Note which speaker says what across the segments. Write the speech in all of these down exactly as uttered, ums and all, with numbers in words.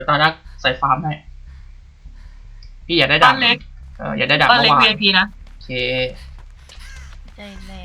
Speaker 1: ตาดักใส่ฟาร์มให้พี่อยากได้ดาบเล็กเอออยากได้ดาบ
Speaker 2: บ้านเล็ก
Speaker 1: เมื่อวา
Speaker 2: วี ไอ พี นะ
Speaker 1: โอเค
Speaker 3: ใจแรง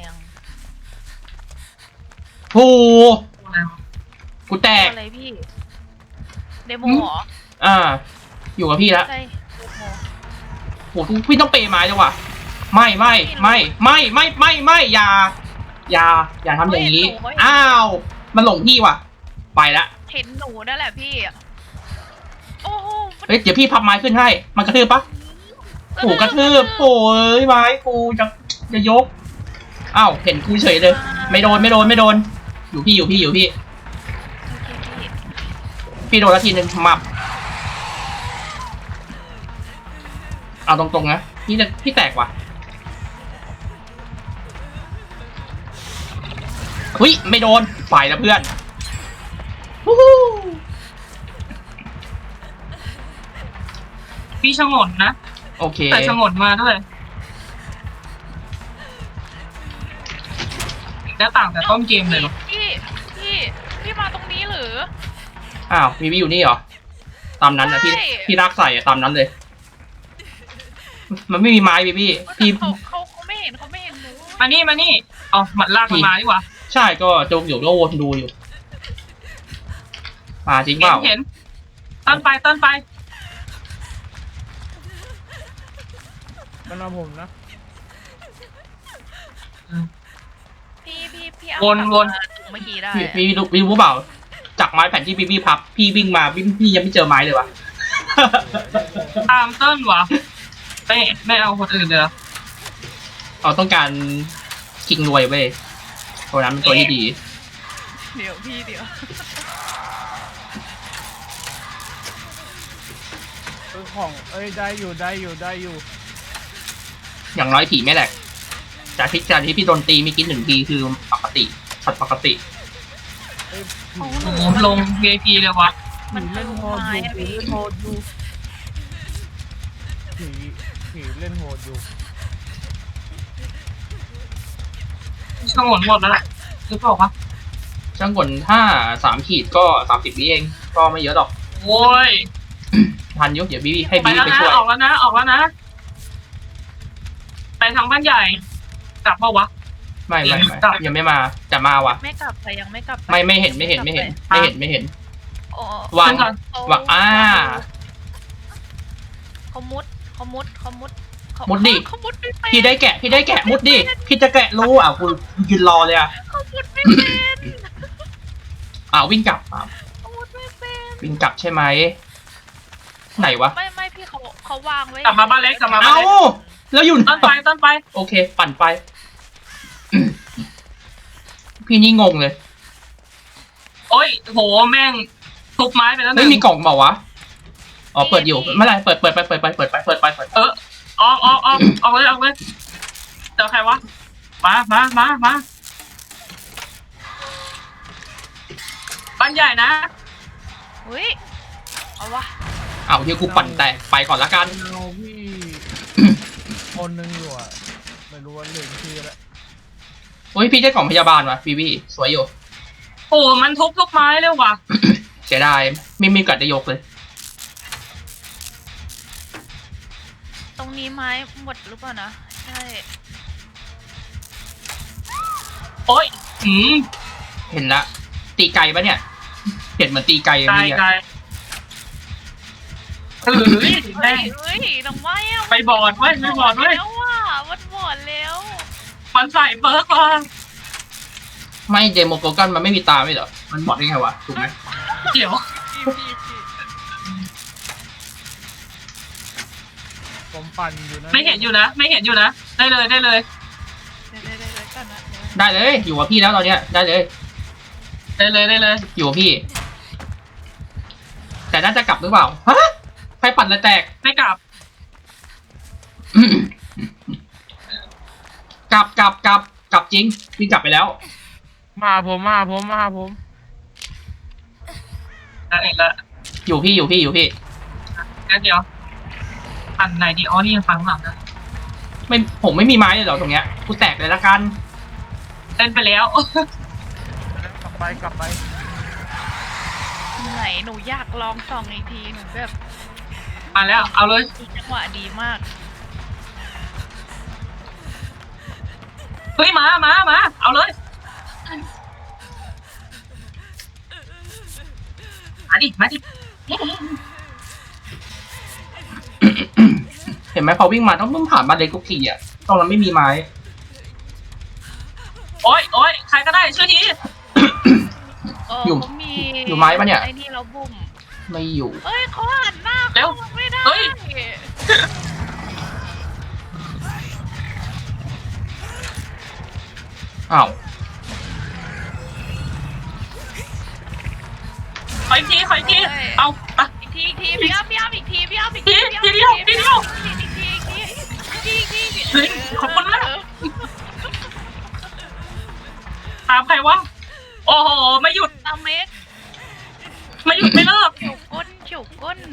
Speaker 1: ผู้กูแตก
Speaker 3: อะไรพี่เดโมเหรอ
Speaker 1: อ่าอยู่กับพี่แล้ว
Speaker 3: ใช่เดโม
Speaker 1: โหพี่ต้องเปย์ไม้จังวะไม่ไม่ไม่ไม่ไม่ไม่ไม่อย่าอย่าอย่าทำอย่างนี้อ้าวมันหลงพี่ว่ะไปละ
Speaker 3: เห็นหนูนั่นแหละพี่โอ้โห
Speaker 1: เฮ้ยเดี๋ยวพี่พับไม้ขึ้นให้มันกระทืบปะโอ้กระทืบโอ้ยไม้กูจะจะยกอ้าวเห็นกูเฉยเลยไม่โดนไม่โดนไม่โดนอยู่พี่อยู่พี่อยู่พี่
Speaker 3: โอเคพี่
Speaker 1: พี่โดนละทีนึงมับเอาตรงๆนะพี่จะพี่แตกว่ะเฮ้ยไม่โดนฝ่ายละเพื่อนวู้ฮู้
Speaker 2: พี่ชงนนะ
Speaker 1: โอเค
Speaker 2: ใส่ชงนมาด้วยหน้าต่างแต่ต้นเกมเลยเหรอ
Speaker 3: พี่พี่พี่มาตรงนี้หรือ
Speaker 1: อ้าวมีพี่อยู่นี่เหรอตามนั้นนะพี่
Speaker 3: ใช่
Speaker 1: พี่รักใส่อะตามนั้นเลย มันไม่มีไม้พี่พี่พี่
Speaker 3: เขาเขาเขาไม่เห็นเขาไม่เห็นหนู
Speaker 2: มานี่มานี่เอามันลากมันมาดีกว่า
Speaker 1: ใช่ก็จงอยู่ก็วนดูอยู่มาจริงเป
Speaker 2: เห็น
Speaker 1: ล่า
Speaker 2: เห็นต้นไปต้นไป
Speaker 4: มันเอาผมนะ
Speaker 3: พี่พี่พี่เอา
Speaker 2: วนวน
Speaker 3: กลับมาเมื่อกี้ได้
Speaker 1: พี่พี่รู้พี่รู้เปล่าจากไม้แผ่นที่พี่พี่พับพี่วิ่งมาพี่พี่ยังไม่เจอไม้เลยวะ
Speaker 2: ตามต้นวะไม่ไม่เอาคนอื่นเลยเหรอ
Speaker 1: เราต้องการคิงรวยเว้ยตัวนั้นเป็นตัวที่ดี
Speaker 3: เดี๋ยวพี่เดี๋ยว
Speaker 4: ซื้อของเอ้ยได้อยู่ได้อยู่ได้อยู่
Speaker 1: อย่างน้อยผีไม่แหลกจากที่จากที่พี่โดนตีมีกินหนึ่งทีคือปกติชัดปกติ
Speaker 4: เอ้ย
Speaker 3: โอ้
Speaker 4: ผี
Speaker 3: โห
Speaker 2: โอ้โหลง วี ไอ พี เลยวะ
Speaker 3: มัน
Speaker 4: ผีเล่นโหดอยู่ผีเล่นโหดอยู่ผีผีเล่นโหดอยู่
Speaker 2: ชงนหมดแล้วแหละหรือเปล่าวะ
Speaker 1: ช่างกลถ้าสามขีดก็สามสิบวิเองก็ไม่เยอะหรอก
Speaker 2: โอ้ย
Speaker 1: ทันยุเดี๋ยวพี่ให้
Speaker 2: ไป
Speaker 1: พี่
Speaker 2: แล้ว
Speaker 1: ไป
Speaker 2: นะ
Speaker 1: ช่วย
Speaker 2: ออกแล้วนะออกแล้วนะไปทางบ้านใหญ่กลับเปล่าวะ
Speaker 1: ไม่ไม่ไม่
Speaker 2: กลับ
Speaker 1: ยังไม่มาจะมาว่ะ
Speaker 3: ไม่กลับไปยังไม่กลับป
Speaker 1: ไม่ไม่เห็นไม่เห็นไม่เห็นไม่เห็นไม่เห็น
Speaker 3: โอ้
Speaker 1: วาง
Speaker 2: ขึ้นก่อน
Speaker 1: วางอ่า
Speaker 3: เขามุดเขามุดเขามุดเขา
Speaker 1: มุดดิ
Speaker 3: เขามุดไม่เป็น
Speaker 1: พี่ได้แกะพี่ได้แกะมุดดิพี่จะแกะรู้อ่ะกูยืนรอเลยอ่ะ
Speaker 3: เขามุดไม่เป็น
Speaker 1: อ่าวิ่งกลับอ่ะ
Speaker 3: เขามุดไม่เป็น
Speaker 1: วิ่งกลับใช่ไหมไหนวะ
Speaker 3: ไม่ไม่พี่เขาเขาวางไว้
Speaker 2: กลับมาบ้านเล็กกลับมาบ้าน
Speaker 1: เอ้า
Speaker 2: เล็ก
Speaker 1: แล้วอยู่
Speaker 2: ต้นไปต้นไป
Speaker 1: โอเค ปั่นไป พี่นี่งงเลย
Speaker 2: โอ้ยโหแม่งทุบไม้ไปแล้วห
Speaker 1: ไม่
Speaker 2: นึ่ง
Speaker 1: มีกล่องเปล่าวะอ๋อเปิดอยู่ไม่เป็นไรเปิดเปิดไปเปิดไปเปิดไปเปิดไปเปิดไป
Speaker 2: เออออกออกออกออกเลยออกเลยเจอใครวะมามามามาบ้านใหญ่นะ
Speaker 3: เฮ้ยเอาวะ
Speaker 1: อ้าวเดี๋ยวกูปั่นแตกไปก่อนละกัน
Speaker 4: เอาพี่ คนหนึงอยู่อ่ะไม่รู้ว่าลืมชื่อแล้ว
Speaker 1: โอ้ยพี่ได้กล่องพยาบาลว่ะพี่พี่สวยอยู่
Speaker 2: โอ้มันทุบทุกไม้เลยว่ะ
Speaker 1: เสียดายไม่มีกัดได้ยกเลย
Speaker 3: ตรงนี้ไม้หมดหรือเปล่านะใช่
Speaker 2: โอ้ยหืม
Speaker 1: เห็นละตีไก่ปะเนี่ยเห็นเหมือนตีไก่
Speaker 2: ไกล
Speaker 1: เลย
Speaker 2: ไกล
Speaker 1: อะ
Speaker 2: เออ
Speaker 3: เฮ้ย
Speaker 2: แม่ง
Speaker 3: เฮ้ยน้องไม้อะ
Speaker 2: ไปบอดเว้ยไปบอดเว้ย
Speaker 3: แล้วว่ะมันบอดแล้ว
Speaker 2: มันใส่เบิร์กอ่ะ
Speaker 1: ไม่เดโมโกกันมันไม่มีตาไม่เหรอมันบอกได้ไงวะถูกไหม
Speaker 2: เดี๋ยว
Speaker 3: พี่พี่พี่
Speaker 4: ผมปั่นอยู่นะ
Speaker 2: ไม่เห็นอยู่นะ ไม่เห็นอยู่นะ ได้เลยได้เลย
Speaker 3: เดี๋ยวเดี๋ยวเดี๋ยวเดี๋ยวก่อนนะเดี๋ยว
Speaker 1: ได้เลยอยู่กับพี่แล้วตอนเนี้ยได้เลย
Speaker 2: ได้เลยได้เลย
Speaker 1: อยู่กับพี่ แต่น่าจะกลับหรือเปล่าฮะใครปั่นแล้วแตก
Speaker 2: ไม่กลับ
Speaker 1: กลับกลับกลับกลับจริงวิ่งกลับไปแล้ว
Speaker 4: มาผมมาผมมาผม
Speaker 2: ได้เองละ
Speaker 1: อยู่พี่อยู่พี่อยู่พี่
Speaker 2: งั้นเดี๋ยวอันไหนดีอ๋อนี่ยังฟังหลังนะ
Speaker 1: ไม่ผมไม่มีไม้เลยเหรอตรงเนี้ยกูแตกเลยละกัน
Speaker 2: เล่นไปแล้ว
Speaker 4: กลับไปกลับไป
Speaker 3: อยู่ไหนหนูอยากลองส่องอีกทีหนูแบบ
Speaker 2: มาแล้วเอาเลย
Speaker 3: จังหวะดีมาก
Speaker 2: เฮ้ยมามามาเอาเลยมาดิมาดิ
Speaker 1: เห็นไหมพอวิ่งมาต้องต้องผ่านบ้านเล็กทุกทีอ่ะตรงนั้นไม่มีไม้
Speaker 2: โอ๊ยโอ๊ยใครก็ได้ช่วยที
Speaker 3: เออ
Speaker 1: อยู่
Speaker 3: เขามี
Speaker 1: อยู่ไม้ปะเนี่ย
Speaker 3: ไอ้นี่เราบุ่ม
Speaker 1: ไม่อยู่
Speaker 3: เอ้ยเขาหันหน้า
Speaker 2: เร็ว
Speaker 3: เข้าไม่ได้
Speaker 2: เฮ้ย
Speaker 1: อ้าว
Speaker 2: ขออีกทีขออีกทีเอาอ่ะ
Speaker 3: อีกทีอีกทีพี่อ้ำพี่อ้ำอีกทีพี่อ้ำอีก
Speaker 2: ที
Speaker 3: ที
Speaker 2: ทีเดียวทีเดียว
Speaker 3: อีกทีอีกทีอีกทีอีกทีอีกที
Speaker 2: เฮ้ยขอบคุณมาก ตามใครวะโอ้โหไม่หยุด
Speaker 3: ตามเมก
Speaker 2: ไม่หยุดไม่เลิก
Speaker 3: เฉียวก้นเฉียวก้น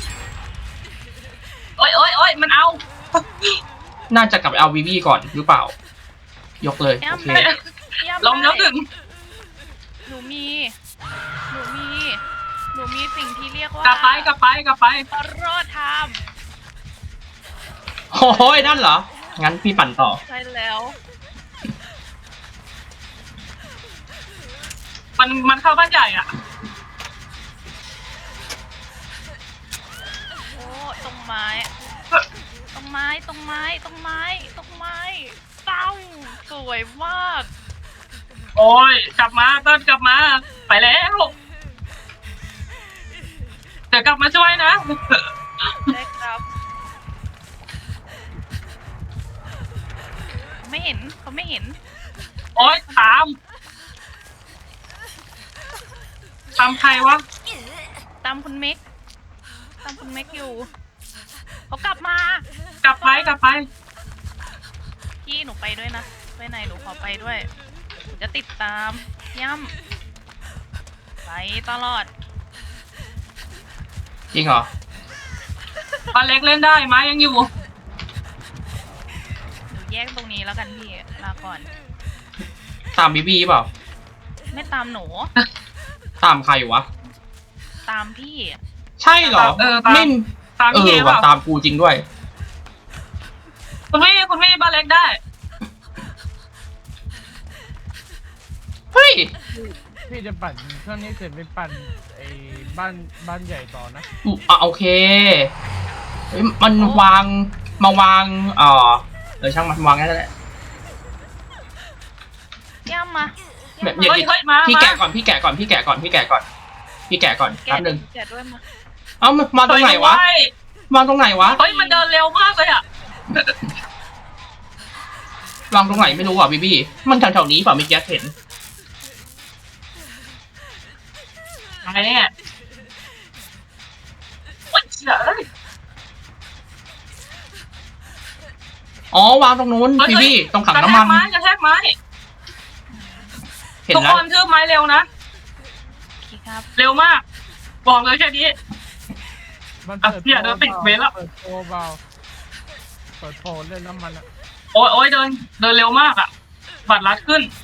Speaker 2: โอ๊ยโอ๊ยโอ๊ยมันเอา
Speaker 1: น่าจะกลับไปเอาวีวีก่อนหรือเปล่า ยกเลย
Speaker 3: พี่
Speaker 1: โอ
Speaker 3: อ้ำ
Speaker 1: เค
Speaker 3: ได้พี่อ้ำ
Speaker 2: ลมแล้วหนึ่ง
Speaker 3: หนูมีหนูมีหนูมีสิ่งที่เรียกว่าก
Speaker 2: ลับไปกลับไปกลับไป
Speaker 3: อรอไทม์
Speaker 1: โอ้ยนั่นเหรอ งั้นพี่ปั่นต่อ
Speaker 3: ใช่แล้ว
Speaker 2: มันมันเข้าบ้านใหญ่อ่ะ
Speaker 3: โอ้ตรงไม้ตรงไม้ตรงไม้ตรงไม้ตรงไม้เต้าสวยมาก
Speaker 2: โอ้ยกลับมาเติ้ลกลับมา ไปแล้วเดี๋ยวกลับมาช่วยนะ
Speaker 3: ได้ครับไม่เห็นเขาไม่เห็น
Speaker 2: โอ๊ยตามตามใครวะ
Speaker 3: ตามคุณเมกตามคุณเมกอยู่เขากลับมา
Speaker 2: กลับไปกลับไป
Speaker 3: พี่หนูไปด้วยนะไปไหนหนูขอไปด้วยหนูจะติดตามย่ำไปตลอด
Speaker 1: จริงเหรอ
Speaker 2: ปลาเล็กเล่นได้ไหมยังอยู่
Speaker 3: หนูแยกตรงนี้แล้วกันพี่ลาก่อน
Speaker 1: ตามวีวีเปล่า
Speaker 3: ไม่ตามหนู
Speaker 1: ตามใครวะ
Speaker 3: ตามพี่
Speaker 1: ใช่เหรอ
Speaker 2: เออตาม
Speaker 1: ไม่
Speaker 2: ตาม
Speaker 1: เอ
Speaker 2: พี่
Speaker 1: อ
Speaker 2: เอเป
Speaker 1: ว่ะ
Speaker 2: ล่า
Speaker 1: ตามกูจริงด้วย
Speaker 2: คุณพี่คุณพี่ปลาเล็กได้
Speaker 1: เฮ้ย
Speaker 4: พี่จะปั่นเครื่องนี้เสร็จไปปั่นไอ้บ้านบ้านใหญ่ต่อนะ
Speaker 1: อุ๊อ่ะโอเคเฮ้ยมันวางมาวางเอ่อเออช่างมันวางงั้นแหละ
Speaker 3: ย่ำมา
Speaker 1: แบบ
Speaker 3: ย่ำ
Speaker 1: เดี๋ยว
Speaker 2: เฮ้ยเฮ้ยมา
Speaker 1: พี่
Speaker 2: มา
Speaker 1: แกะก่อนพี่แกะก่อนพี่แกะก่อนพี่แกะก่อนพี่แกะก่อน
Speaker 3: แกะ
Speaker 1: แป๊บนึง
Speaker 3: แกะด้วยมา
Speaker 1: เอ้ามันมาตรงไหนวะ
Speaker 2: เฮ้ย
Speaker 1: วางตรงไหนวะ
Speaker 2: เฮ้ยมันเดินเร็วมากเลยอ่ะ
Speaker 1: วางตรงไหนไม่รู้อ่ะบีบี้มันแถวๆนี้เปล่าไม่แกเห็น
Speaker 2: อะไรเนี่ยโอ๊ยเฉย
Speaker 1: อ๋อวางตรงนู้น
Speaker 2: เฮ้ย
Speaker 1: บีบี้ตรงถัง
Speaker 2: กระ
Speaker 1: น้ำ
Speaker 2: แท
Speaker 1: มั
Speaker 2: ก
Speaker 1: น
Speaker 2: ไม้กระแทกไม้
Speaker 1: เห็น
Speaker 2: ทุก
Speaker 1: แล้
Speaker 2: คว นทืบไม้เร็วนะ
Speaker 3: พี่ครับ
Speaker 2: เร็วมาก บอกเลยแค่นี้
Speaker 4: มัน
Speaker 2: อ่ะ
Speaker 4: เปิด
Speaker 2: เนี่ยเดี๋ยวติดเวรละ
Speaker 4: เปิดโปรเบาเปิดโปรเล่นน้ำมันอะ
Speaker 2: โอ๊ยโอ๊ยเดินเดินเร็วมากอ่ะบัตรลัดขึ้น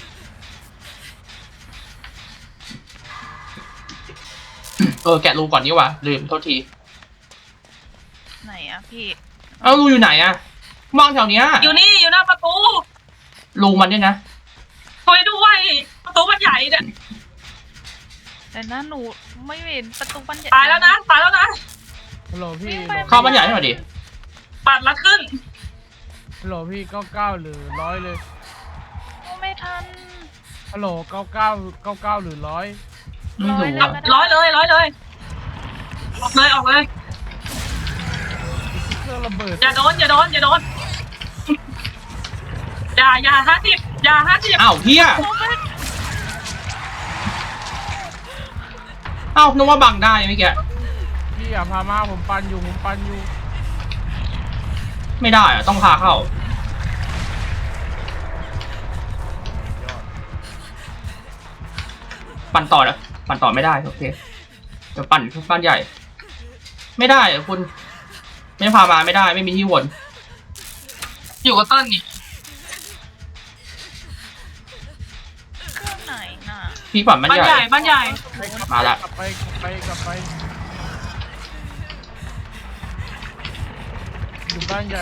Speaker 1: เออแกะรูก่อนนี่ว่ะลืมโทษที
Speaker 3: ไหนอะพี่
Speaker 1: เอ้ารูอยู่ไหนอะวางแถวเนี้ย
Speaker 2: อยู่นี่อยู่หน้าประตู
Speaker 1: รูมันเนี่ยนะ
Speaker 2: ช่วยด้วยประตูมันใหญ่เนี่ย
Speaker 3: แต่หน้าหนูไม่เห็นประตูบันใหญ่
Speaker 2: ตายแล้วนะตายแล้วนะ
Speaker 4: ฮัลโหลพี่
Speaker 1: เข้าบ้านใหญ่ให้หน่อยดิ
Speaker 2: บัตรลัดขึ้น
Speaker 4: ฮัลโหลพี่เก้าเก้าหรือร้อยเลย
Speaker 3: โอ้ไม่ทัน
Speaker 4: ฮัลโหลเก้าเก้าเก้าเก้าหรือร้อย
Speaker 1: ไม่รู้
Speaker 3: ร้อย
Speaker 1: อะ
Speaker 3: เลย
Speaker 2: ร้อยเลยร้อยเลยออกเลยออกเลย
Speaker 4: เครื่องระเบิด
Speaker 2: อย่าโดนอย่าโดนอย่าโดนอย่าอย่าห้าสิบอย่าห้าสิบ
Speaker 1: อ้าวเฮีย
Speaker 3: โอ้ไม่
Speaker 1: อ้าวนึกว่าบังได้เมื่อกี้
Speaker 4: พี่อย่าพามาผมปันอยู่ผมปันอยู่
Speaker 1: ไม่ได้อะต้องพาเข้า
Speaker 4: ยอด
Speaker 1: ปั่นต่อนะปั่นต่อไม่ได้โอเคเดี๋ยวปั่นบ้านใหญ่ ไม่ได้อะคุณ ไม่พามาไม่ได้ไม่มีที่วน
Speaker 2: อยู่กับเต้นนี่
Speaker 3: เครื่องไหนน่ะ
Speaker 1: พี่ฝันมัน
Speaker 2: บ้าน
Speaker 1: ให
Speaker 2: ให
Speaker 1: ญ่
Speaker 2: ญ่บ้านใหญ่
Speaker 1: มาละ
Speaker 4: กลับไปกลับไปกลับไปอยู่บ้านใหญ่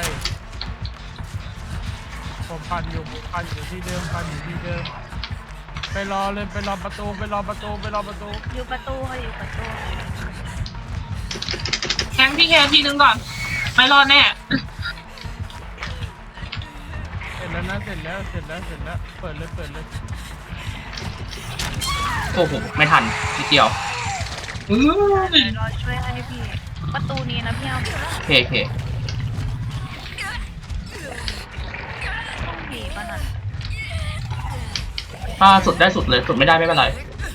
Speaker 4: ผมพันอยู่พันอยู่ที่เดิมพันอยู่ที่เดิมไปรอเลยไปรอประตูไปรอประตูไปรอประตู
Speaker 3: อยู่ประตูค่ะอยู่ประตู
Speaker 2: แทงพี่แคทีนึงก่อน ไม่รอดแน่
Speaker 4: เสร็จแล้วนะเสร็จแล้วเสร็จแล้วเสร็จแล้วเปิดเลยเปิดเลย
Speaker 1: โอ้โหไม่ทันนิดเดียว
Speaker 2: อื้อ
Speaker 3: เดี๋ยวรอช่วยให้พี่ ประตูนี้นะพี่อ้ำ
Speaker 1: โอเคโอเค
Speaker 3: ต้องผีป่ะน่ะ
Speaker 1: ถ้าสุดได้สุดเลยสุดไม่ได้ไม่เป็นไร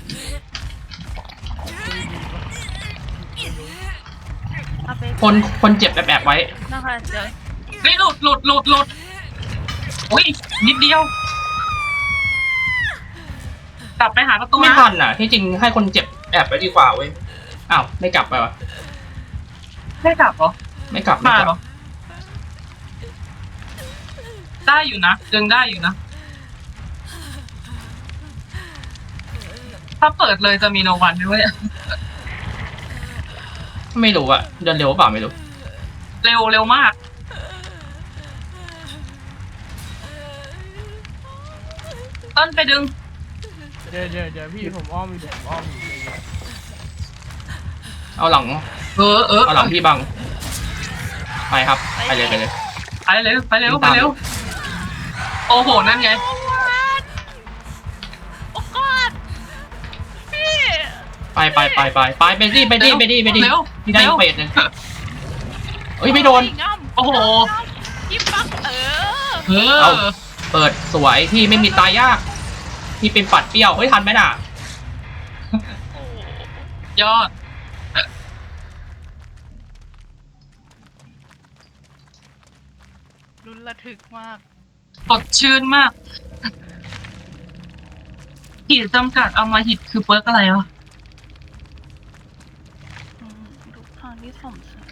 Speaker 3: เอาไป
Speaker 1: คนคนเจ็บแอบๆไว้
Speaker 3: นะคะเดี๋ยว
Speaker 2: เฮ้ยหลุดหลุดหลุดหลุดโอ้ยนิดเดียว กลับไปหาประตู
Speaker 1: ไม่
Speaker 2: นะ
Speaker 1: ทันอ่ะ ที่จริงให้คนเจ็บแอบไปดีกว่าเว้ยอ้าวไม่กลับไปวะ
Speaker 2: ได้กลับเหรอ
Speaker 1: ไม่กลับไม่
Speaker 2: มาก เหร
Speaker 1: ลั
Speaker 2: อบ ได้อยู่นะดึงได้อยู่นะ ถ้าเปิดเลยจะมีโนวันด้วย
Speaker 1: ไม่รู้อะเดินเร็วเปล่าไม่รู้
Speaker 2: เร็วเร็วมาก ต้นไปดึง
Speaker 4: เดี๋ยวเดี๋ยวเดี๋ยวพี่ผมอ้อมอยู่ผมอ้อมอยู่
Speaker 1: เอาหลัง
Speaker 2: เออเออ
Speaker 1: เอาหลังพี่บังไปครับไปเลยไปเลย
Speaker 2: ไปเร็วไปเร็วไปเร็ว โอ้โห นั่นไง
Speaker 3: โอ้กอดพี่
Speaker 1: ไปไปไปไปไปไปดิไปดิไปดิไปดิ
Speaker 2: เร็ว
Speaker 1: พี่ได้
Speaker 2: เร็ว
Speaker 1: เป็ดเลยเฮ้ยไม่โดน
Speaker 3: ง่ำ
Speaker 2: โอ้โห
Speaker 3: ยิบปักเออ
Speaker 2: เอ
Speaker 1: เอา
Speaker 2: อ
Speaker 1: เปิดสวยพี่ไม่มีตายยากพี่เป็นปัดเปรี้ยวเฮ้ยทันไหมน่ะ
Speaker 3: โอ้
Speaker 2: ยอด
Speaker 3: รุนระทึกมาก
Speaker 2: สดชื่นมากขีดจำกัดเอามาหิดคือเปิร์กอะไรวะ
Speaker 3: อืมทุกทางที่สมศักดิ์